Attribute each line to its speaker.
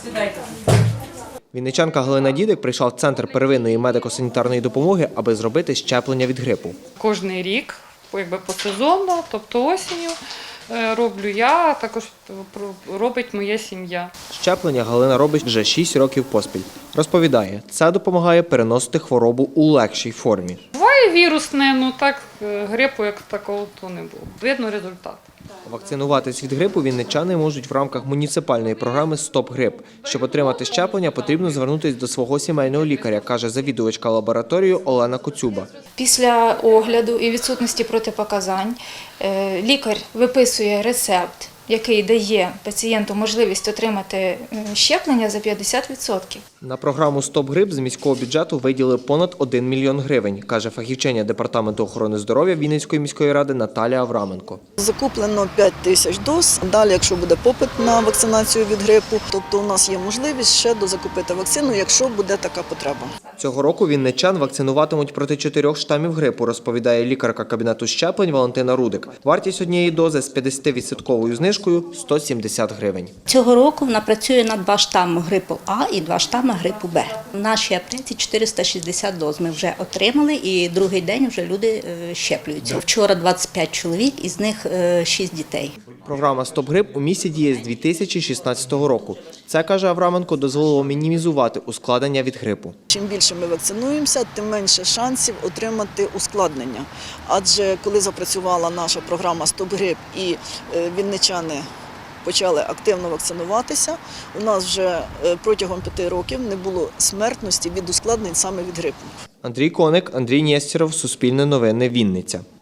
Speaker 1: Вінничанка Галина Дідик прийшла в Центр первинної медико-санітарної допомоги, аби зробити щеплення від грипу.
Speaker 2: Кожний рік, посезонно, тобто осінню, роблю я, а також робить моя сім'я.
Speaker 1: Щеплення Галина робить вже 6 років поспіль. Розповідає, це допомагає переносити хворобу у легшій формі.
Speaker 2: Буває вірусне, ну так грипу як такого то не було. Видно результат.
Speaker 1: Вакцинуватись від грипу вінничани можуть в рамках муніципальної програми «Стоп грип». Щоб отримати щеплення, потрібно звернутися до свого сімейного лікаря, каже завідувачка лабораторії Олена Коцюба.
Speaker 3: Після огляду і відсутності протипоказань лікар виписує рецепт, який дає пацієнту можливість отримати щеплення за 50%.
Speaker 1: На програму «Стоп грип» з міського бюджету виділили понад 1 мільйон гривень, каже фахівчиня Департаменту охорони здоров'я Вінницької міської ради Наталія Авраменко.
Speaker 4: Закуплено 5 тисяч доз. Далі, якщо буде попит на вакцинацію від грипу, тобто у нас є можливість ще дозакупити вакцину, якщо буде така потреба.
Speaker 1: Цього року вінничан вакцинуватимуть проти 4 штамів грипу, розповідає лікарка кабінету щеплень Валентина Рудик. Вартість однієї дози з 50% знижкою – 170 гривень.
Speaker 5: Цього року вона працює на 2 штами грипу А і 2 штами грипу Б. В нашій аптеці 460 доз ми вже отримали і другий день вже люди щеплюються. Вчора 25 чоловік, із них 6 дітей.
Speaker 1: Програма «Стоп грип» у місті діє з 2016 року. Це, каже Авраменко, дозволило мінімізувати ускладнення від грипу.
Speaker 4: Чим більше ми вакцинуємося, тим менше шансів отримати ускладнення. Адже коли запрацювала наша програма «Стоп грип» і вінничани почали активно вакцинуватися, у нас вже протягом 5 років не було смертності від ускладнень саме від грипу.
Speaker 1: Андрій Коник, Андрій Нєстєров, Суспільне новини, Вінниця.